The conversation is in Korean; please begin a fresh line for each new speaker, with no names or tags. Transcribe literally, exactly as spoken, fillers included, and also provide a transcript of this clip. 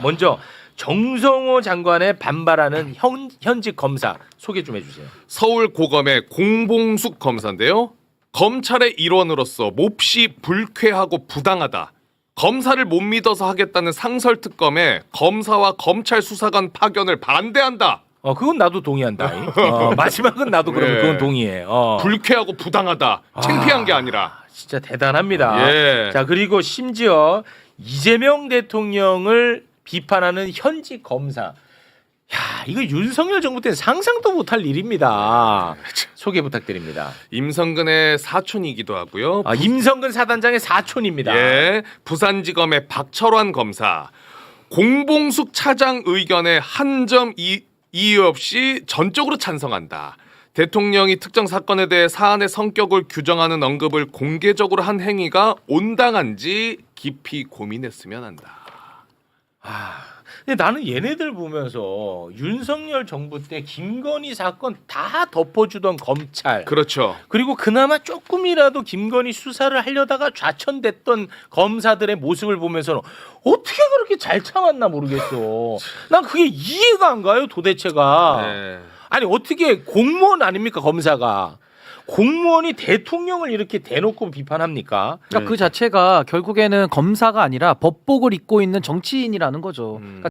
먼저 정성호 장관의 반발하는 현, 현직 검사 소개 좀 해주세요.
서울고검의 공봉숙 검사인데요. 검찰의 일원으로서 몹시 불쾌하고 부당하다. 검사를 못 믿어서 하겠다는 상설특검에 검사와 검찰 수사관 파견을 반대한다.
어 그건 나도 동의한다. 어, 마지막은 나도 그러면
네.
그건 동의해. 어.
불쾌하고 부당하다. 창피한 게 아니라.
진짜 대단합니다.
예.
자 그리고 심지어 이재명 대통령을 비판하는 현직 검사. 야 이거 윤석열 정부 때는 상상도 못할 일입니다. 소개 부탁드립니다.
임성근의 사촌이기도 하고요.
아, 임성근 사단장의 사촌입니다.
예, 부산지검의 박철환 검사. 공봉숙 차장 의견에 한 점 이의 없이 전적으로 찬성한다. 대통령이 특정 사건에 대해 사안의 성격을 규정하는 언급을 공개적으로 한 행위가 온당한지 깊이 고민했으면 한다.
아, 근데 나는 얘네들 보면서 윤석열 정부 때 김건희 사건 다 덮어주던 검찰
그렇죠.
그리고 그나마 조금이라도 김건희 수사를 하려다가 좌천됐던 검사들의 모습을 보면서는 어떻게 그렇게 잘 참았나 모르겠어. 난 그게 이해가 안 가요 도대체가.
네.
아니 어떻게 공무원 아닙니까 검사가. 공무원이 대통령을 이렇게 대놓고 비판합니까?
그러니까 그 자체가 결국에는 검사가 아니라 법복을 입고 있는 정치인이라는 거죠.
음.
그러니까